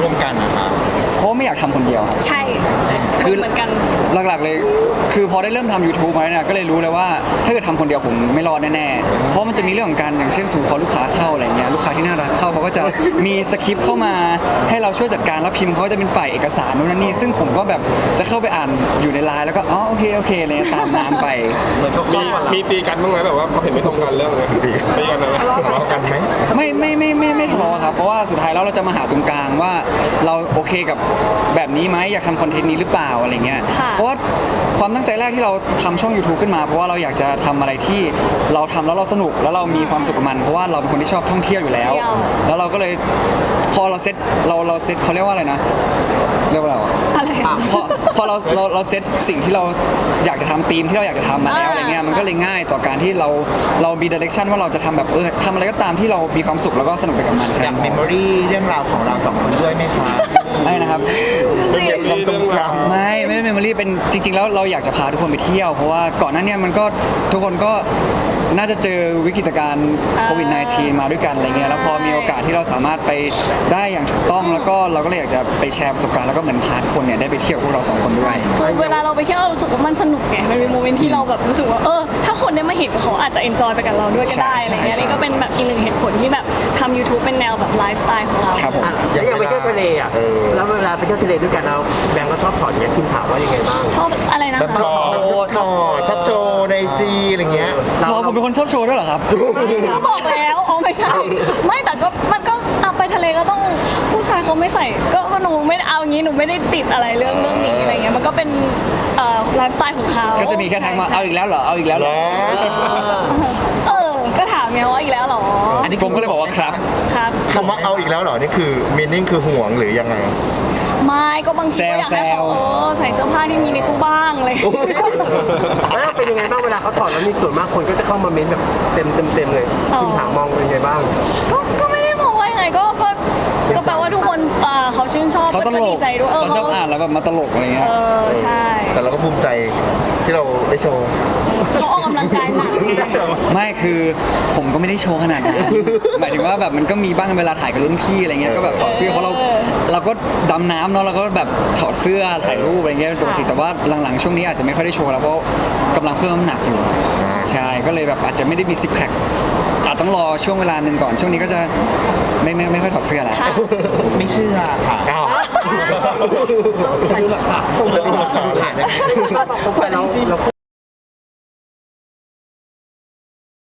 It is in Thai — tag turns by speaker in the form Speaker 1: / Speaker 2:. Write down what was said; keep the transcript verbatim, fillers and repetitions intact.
Speaker 1: ร่วมกันนะครับ
Speaker 2: เพราะไม่อยากทำคนเดียวครับ
Speaker 3: ใช่คือเหมือนกัน
Speaker 2: หลักๆเลยคือพอได้เริ่มทำ ยูทูบ มาเนี่ยก็เลยรู้เลยว่าถ้าเกิดทำคนเดียวผมไม่รอดแน่ๆเพราะมันจะมีเรื่องของการอย่างเช่นสมมติพอลูกค้าเข้าอะไรเงี้ยลูกค้าที่น่ารักเข้าเขาก็จะมีสคริปต์เข้ามาให้เราช่วยจัดการแล้วพิมพ์เขาจะเป็นฝ่ายเอกสารนู่นนั่นนี่ซึ่งผมก็แบบจะเข้าไปอ่านอยู่ในไลน์แล้วก็อ๋อโอเคโอเคเลยตามน้ำไป
Speaker 1: มีมีตีกันบ้างไหมแบบว่าเขาเห็นไม่ตรงกันเรื่องอะไรตีกันไหมทะเลาะกันไหม
Speaker 2: ไม่ไม่ไม่ไม่ไม่ทะเลาะครับเพราะว่าสุดท้ายแล้วเราจะมาหาตรงกลางว่าเราโอเคกับแบบนี้ไหมอยากทำคอนเทนต์นี้หรือเปล่าอะไรเงี้ยเพราะว่าความตั้งใจแรกที่เราทำช่อง ยูทูบ ขึ้นมาเพราะว่าเราอยากจะทำอะไรที่เราทำแล้วเราสนุกแล้วเรามีความสุขกับมันเพราะว่าเราเป็นคนที่ชอบท่องเที่ยวอยู่แล้วแล้วเราก็เลยพอเราเซ็ตเราเราเซ็ตเขาเรียกว่าอะไรนะเรียกว่าอะไร
Speaker 3: อะไร
Speaker 2: พอพอเราเราเราเซ็ตสิ่งที่เราอยากจะทำธีมที่เราอยากจะทำมาแล้วอะไรเงี้ยมันก็เลยง่ายต่อการที่เราเรามีดิเรกชันว่าเราจะทำแบบเออทำอะไรก็ตามที่เรามีความสุขแล้วก็สนุกไปกับมัน
Speaker 1: อยากเมมโมรี่เรื่องราวของเราสองคนด้วยไหมคะ
Speaker 2: ไม่นะครับ
Speaker 1: เป็นเรื่องความทรงจำ
Speaker 2: ไม่ไม่เมมโมรี่เป็นจริงๆแล้วเราอยากจะพาทุกคนไปเที่ยวเพราะว่าก่อนหน้านี้มันก็ทุกคนก็น่าจะเจอวิกฤตการณ์โควิด สิบเก้า มาด้วยกันอะไรเงี้ยแล้วพอมีโอกาสที่เราสามารถไปได้อย่างถูกต้องแล้วก็เราก็เลยอยากจะไปแชร์ประสบการณ์แล้วก็เหมือนพาทุกคนเนี่ยได้ไปเที่ยวพวกเราสองคนด้วย
Speaker 3: คือเวลาเราไปเที่ยวเรารู้สึกว่ามันสนุกไงมันเป็นโมเมนต์ที่เราแบบรู้สึกว่าเออถ้าคนได้มาเห็นเขาอาจจะเอนจอยไปกับเราด้วยก็ได้อะไรเงี้ยนี่ก็เป็นแบบอีกหนึ่งเหตุผลที่แบบทำ ยูทูบ เป็นแนวแบบไลฟ์สไตล์ของเรา
Speaker 2: ครับผม
Speaker 4: อย่างไปเที่ยวทะเลอ่ะแล้วเวลาไปเที่ยวทะเลด้วยกันเราแบงก์ก็ชอบถอดเนี่ยคุณถามว่ายังไงบ้าง
Speaker 3: ชอบอะไรนะ
Speaker 1: ชอบชอบชอบโชว์ในจีอะไรเงี้ย
Speaker 2: เราผมเป็นคนชอบโชว์ด้วยเหรอครับ
Speaker 3: ก็บอกแล้วอ๋อไม่ใช่ไม่แต่ก็มันก็เอาไปทะเลก็ต้องผู้ชายเขาไม่ใส่ก็ก็หนูไม่เอางี้หนูไม่ได้ติดอะไรเรื่องเรื่องนี้อะไรเงี้ยมันก็เป็นไลฟ์สไตล์ของเขา
Speaker 2: ก็จะมีแค่ทักมาเอาอีกแล้วเหรอเอาอีกแล้วเหรอ
Speaker 3: เออก็ถามไงว่าอีกแล้วเหรอ
Speaker 2: อันนี้ผมก็เลยบอกว่าครับ
Speaker 3: ครับ
Speaker 1: คำว่าเอาอีกแล้วเหรอนี่คือมีนิ่งคือห่วงหรือยังไง
Speaker 3: ไม่ก็บางทีก็อยากให้เขาเออใส่เสื้อผ้าที่มีในตู้บ้างเลย
Speaker 4: แล้วเป็นยังไงบ้างเวลาเขาถอดแล้วมีส่วนมากคนก็จะเข้ามาเม้นแบบเต็มเต็มเต็มเลยคุณถามมองเป็นยังไงบ้าง
Speaker 3: ก็ก็ไม่ได้มองว่ายังไงก็ก็ก็แปลว่าทุกคนเขาชื่นชอบ
Speaker 2: ก็
Speaker 3: ดีใจด้วย
Speaker 2: เขาชอบอ่านแล้วแบบมาตลกอะไรเงี้ย
Speaker 3: เออใช่
Speaker 1: แต่เราก็ภูมิใจที่เราได้โชว์
Speaker 3: เขาออกกำลังกายหนัก
Speaker 2: ไม่คือผมก็ไม่ได้โชว์ขนาดนั้นหมายถึงว่าแบบมันก็มีบ้างเวลาถ่ายกับรุ่นพี่อะไรเงี้ยก็แบบถอดเสื้อเพราะเราเราก็ดำน้ำเนาะเราก็แบบถอดเสื้อถ่ายรูปอะไรเงี้ยปกติแต่ว่าหลังๆช่วงนี้อาจจะไม่ค่อยได้โชว์แล้วเพราะกำลังเพิ่มน้ำหนักอยู่ใช่ก็เลยแบบอาจจะไม่ได้มีซิกแพคอาจต้องรอช่วงเวลาหนึ่งก่อนช่วงนี้ก็จะไม่ไม่ไม่ค่อยถอดเสื้อแล้ว
Speaker 1: ไม่เชื่อค่ะอ้าวไม่รู้หรอกค่ะผมไม่รู้หรอกค่ะถ่ายได้